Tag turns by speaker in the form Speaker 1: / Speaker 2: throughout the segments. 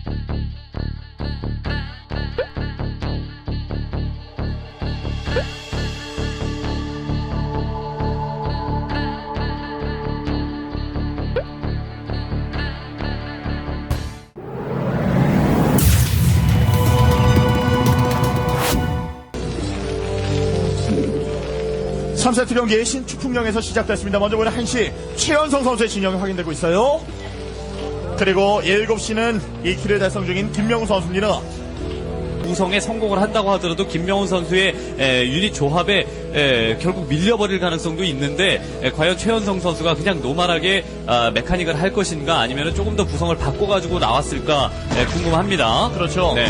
Speaker 1: 3세트 경기 신축풍령에서 시작됐습니다. 먼저 보는 1시 최연성 선수의 진영이 확인되고 있어요. 그리고 7시는 2킬을 달성 중인 김명우 선수입니다.
Speaker 2: 구성에 성공을 한다고 하더라도 김명훈 선수의 유닛 조합에 결국 밀려버릴 가능성도 있는데 과연 최연성 선수가 그냥 노멀하게 메카닉을 할 것인가 아니면 조금 더 구성을 바꿔가지고 나왔을까 궁금합니다.
Speaker 1: 그렇죠.
Speaker 2: 네.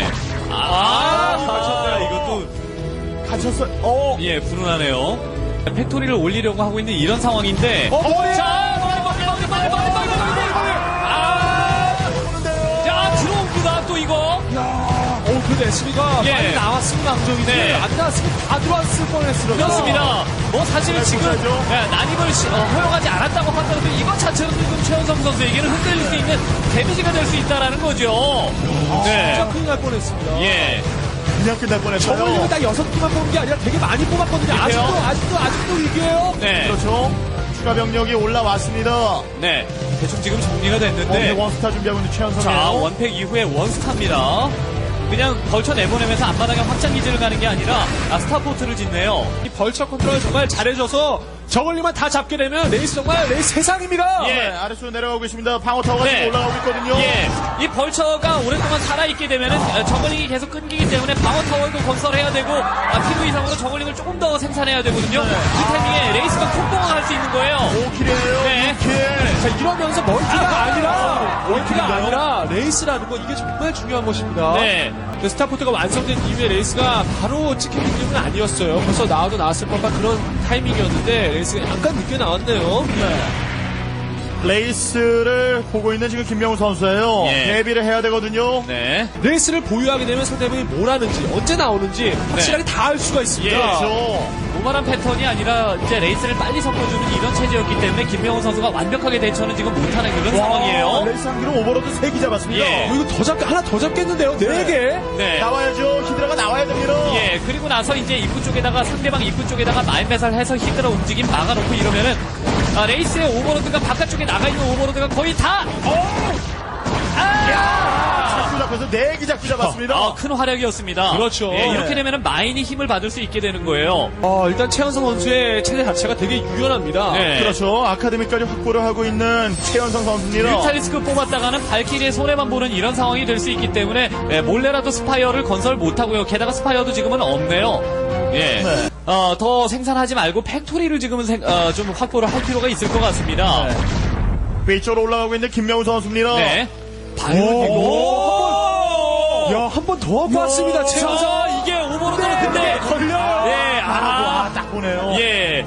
Speaker 2: 이것도
Speaker 1: 갇혔어요.
Speaker 2: 예 불운하네요. 팩토리를 올리려고 하고 있는 이런 상황인데 자 들어옵니다 또 이거.
Speaker 3: 근데 SB가
Speaker 2: 예.
Speaker 3: 빨리 나왔으면 강정인데
Speaker 2: 네.
Speaker 3: 안 나왔으면 다 들어왔을 뻔했어요.
Speaker 2: 그렇습니다. 뭐 사실은 지금 난입을 허용하지 않았다고 하더라도 이것 자체로 지금 최연성 선수에게는 흔들릴 수 있는 데미지가 될 수 있다라는 거죠.
Speaker 3: 진짜 큰일 날 뻔했습니다.
Speaker 2: 예.
Speaker 1: 그냥 끝날 뻔했어요.
Speaker 3: 저번에 딱 6개만 뽑은 게 아니라 되게 많이 뽑았거든요. 아직도 위기예요.
Speaker 2: 네.
Speaker 1: 그렇죠. 추가 병력이 올라왔습니다.
Speaker 2: 네. 대충 지금 정리가 됐는데.
Speaker 1: 원스타 준비하고 있는
Speaker 2: 자,
Speaker 1: 최연성이에요.
Speaker 2: 원팩 이후에 원스타입니다. 그냥 벌쳐 내보내면서 앞마당에 확장 기지를 가는 게 아니라 스타포트를 짓네요.
Speaker 3: 이 벌처 컨트롤 정말 잘해줘서 저걸리만 다 잡게 되면 레이스 정말 레이스 세상입니다.
Speaker 2: 예.
Speaker 1: 네, 아래쪽으로 내려가고 있습니다. 방어 타워가
Speaker 2: 네.
Speaker 1: 지금 올라가고 있거든요.
Speaker 2: 예. 이 벌처가 오랫동안 살아있게 되면은 저글링이 계속 끊기기 때문에 방어 타워도 건설해야 되고 필요 이상으로 저글링을 조금 더 생산해야 되거든요.
Speaker 1: 네.
Speaker 2: 그 타이밍에 레이스가 콩콩을 할 수 있는 거예요.
Speaker 1: 5킬이에요.
Speaker 2: 네.
Speaker 1: 6킬.
Speaker 3: 자, 이러면서 멀티가 아니라 레이스라는 거 이게 정말 중요한 것입니다.
Speaker 2: 네.
Speaker 3: 그 스타포트가 완성된 이후에 레이스가 바로 찍히는 기분은 아니었어요. 벌써 나왔을 법한 그런 타이밍이었는데 레이스가 약간 늦게 나왔네요.
Speaker 1: 레이스를 보고 있는 지금 김명우 선수예요.
Speaker 2: 예.
Speaker 1: 대비를 해야 되거든요.
Speaker 2: 네.
Speaker 3: 레이스를 보유하게 되면 상대방이 뭘 하는지 언제 나오는지 확실하게 다 알 수가 있습니다.
Speaker 2: 예.
Speaker 1: 그렇죠.
Speaker 2: 노멀한 패턴이 아니라 이제 레이스를 빨리 섞어주는 이런 체제였기 때문에 김명훈 선수가 완벽하게 대처는 지금 못하는 그런 상황이에요.
Speaker 1: 레이스 한 기로 오버로드 3개 잡았습니다.
Speaker 2: 예.
Speaker 3: 이거 하나 더 잡겠는데요? 4개?
Speaker 2: 네.
Speaker 1: 나와야죠. 히드라가 나와야 됩니다.
Speaker 2: 예, 그리고 나서 이제 입구 쪽에다가 상대방 입구 쪽에다가 마인매살 해서 히드라 움직임 막아놓고 이러면은 레이스의 오버로드가 바깥쪽에 나가 있는 오버로드가 거의 다
Speaker 1: 잡고 잡혀서 4개 잡고 잡았습니다.
Speaker 2: 큰 활약이었습니다.
Speaker 3: 그렇죠.
Speaker 2: 예, 이렇게
Speaker 1: 네.
Speaker 2: 되면은 마인이 힘을 받을 수 있게 되는 거예요.
Speaker 3: 일단 최현성 선수의 체제 자체가 되게 유연합니다.
Speaker 2: 네.
Speaker 1: 그렇죠. 아카데미까지 확보를 하고 있는 최연성 선수입니다.
Speaker 2: 뮤탈리스크 뽑았다가는 발키리의 손해만 보는 이런 상황이 될 수 있기 때문에 몰래라도 스파이어를 건설 못하고요. 게다가 스파이어도 지금은 없네요. 예.
Speaker 1: 네.
Speaker 2: 더 생산하지 말고 팩토리를 지금은 좀 확보를 할 필요가 있을 것 같습니다.
Speaker 1: 네. 위쪽으로 올라가고 있는 김명우 선수입니다.
Speaker 2: 네.
Speaker 3: 한 번 더 봤습니다, 최현성.
Speaker 2: 자, 이게 오버로드는 근데
Speaker 1: 걸려.
Speaker 2: 예,
Speaker 1: 딱 보네요.
Speaker 2: 예.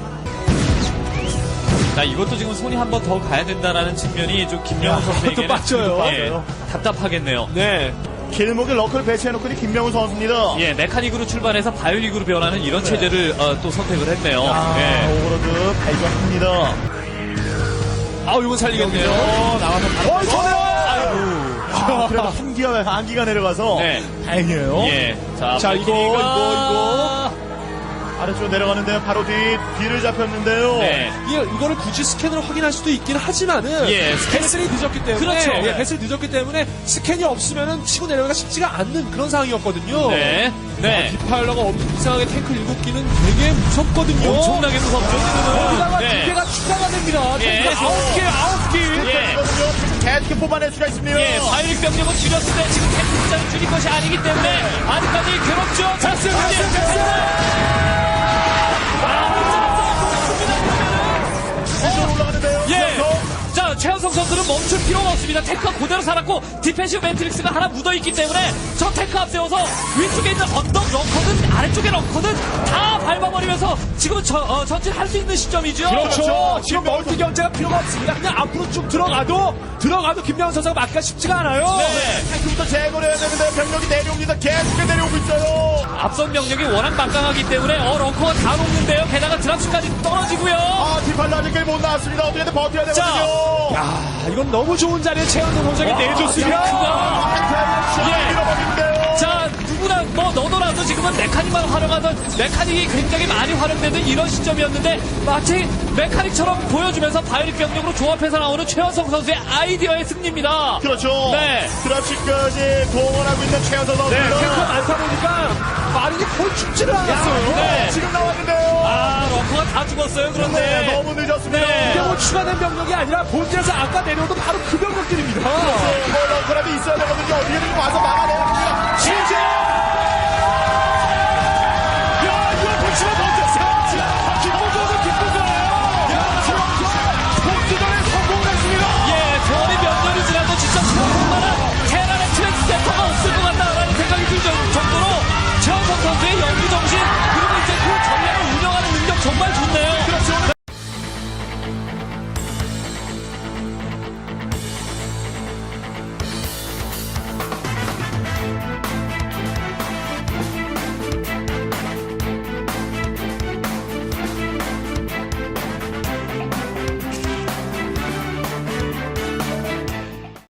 Speaker 2: 자, 이것도 지금 손이 한 번 더 가야 된다라는 측면이 좀 김명훈 선수에게는
Speaker 3: 빠져요.
Speaker 2: 예, 답답하겠네요.
Speaker 3: 네.
Speaker 1: 길목에 러커를 배치해놓고 있는 김명우 선수입니다.
Speaker 2: 예, 메카닉으로 출발해서 바이오닉으로 변하는 이런 체제를 또 선택을 했네요. 예.
Speaker 1: 오버로드 발견합니다.
Speaker 3: 이건 살리겠네요.
Speaker 1: 나와서 바로. 그래도 한기가 내려가서
Speaker 2: 네.
Speaker 1: 다행이에요.
Speaker 2: 예.
Speaker 3: 자, 이거.
Speaker 1: 아래쪽으로 내려가는데요. 바로 뒤를 잡혔는데요.
Speaker 2: 네.
Speaker 3: 이거를 굳이 스캔으로 확인할 수도 있긴 하지만은
Speaker 2: 예,
Speaker 3: 패슬이 늦었기 때문에
Speaker 2: 그렇죠.
Speaker 3: 패슬이 늦었기 때문에 스캔이 없으면은 치고 내려가기가 쉽지가 않는 그런 상황이었거든요.
Speaker 2: 네. 네.
Speaker 3: 디파일러가 이상하게 탱크 7기는 되게 무섭거든요.
Speaker 2: 엄청나게 무섭죠, 지금은.
Speaker 3: 거기다가
Speaker 2: 네.
Speaker 3: 2개가 추가가 됩니다.
Speaker 2: 예.
Speaker 3: 탱크가 9개.
Speaker 2: 예.
Speaker 1: 계속 뽑아낼 수가 있습니다.
Speaker 2: 예, 바이오닉 병력은 줄였을 때 지금 탱크 숫자를 줄인 것이 아니기 때문에 아직까지 괴롭죠.
Speaker 3: 됐어요.
Speaker 1: 위쪽으로 올라가는데요.
Speaker 2: 예. 자, 최현성 선수는 멈출 필요가 없습니다. 탱크가 그대로 살았고 디펜시브 매트릭스가 하나 묻어있기 때문에 저 탱크 앞세워서 위쪽에 있는 언덕 럭커든 아래쪽에 럭커든 다 밟아버리면서 지금은 전진할 수 있는 시점이죠.
Speaker 3: 그렇죠. 지금 멀티 견제가 필요가 없습니다. 그냥 앞으로 쭉 들어가도 김명훈 선수가 막기가 쉽지가 않아요.
Speaker 2: 네.
Speaker 1: 탱크부터 제거를 해야 되는데 병력이 내려옵니다. 계속 내려오고 있어요.
Speaker 2: 앞선 병력이 워낙 막강하기 때문에 럭커가 다 녹는데요. 게다가 드랍슛까지 떨어지고요.
Speaker 1: 디팔로 아직까지 못 나왔습니다. 어떻게든 버텨야 되거든요.
Speaker 3: 이건 너무 좋은 자리에 최현성 선수에게 내줬으면
Speaker 2: 탱크가 메카닉만 활용하던 메카닉이 굉장히 많이 활용되는 이런 시점이었는데 마치 메카닉처럼 보여주면서 바이오닉 병력으로 조합해서 나오는 최원성 선수의 아이디어의 승리입니다.
Speaker 1: 그렇죠.
Speaker 2: 네.
Speaker 1: 드랍십까지 동원하고 있는 최현선
Speaker 3: 네,
Speaker 1: 선수입니다.
Speaker 3: 탱크가 많다 보니까 빠르게 거의 죽지를 않았어요.
Speaker 2: 네.
Speaker 1: 지금 나왔는데요.
Speaker 2: 아, 러커가 다 죽었어요. 그런데
Speaker 1: 네, 너무 늦었습니다.
Speaker 2: 네.
Speaker 3: 이게 뭐 추가된 병력이 아니라 본질에서 아까 내려오던 바로 그 병력들입니다.
Speaker 1: 뭐 런커라도 있어야 되거든요.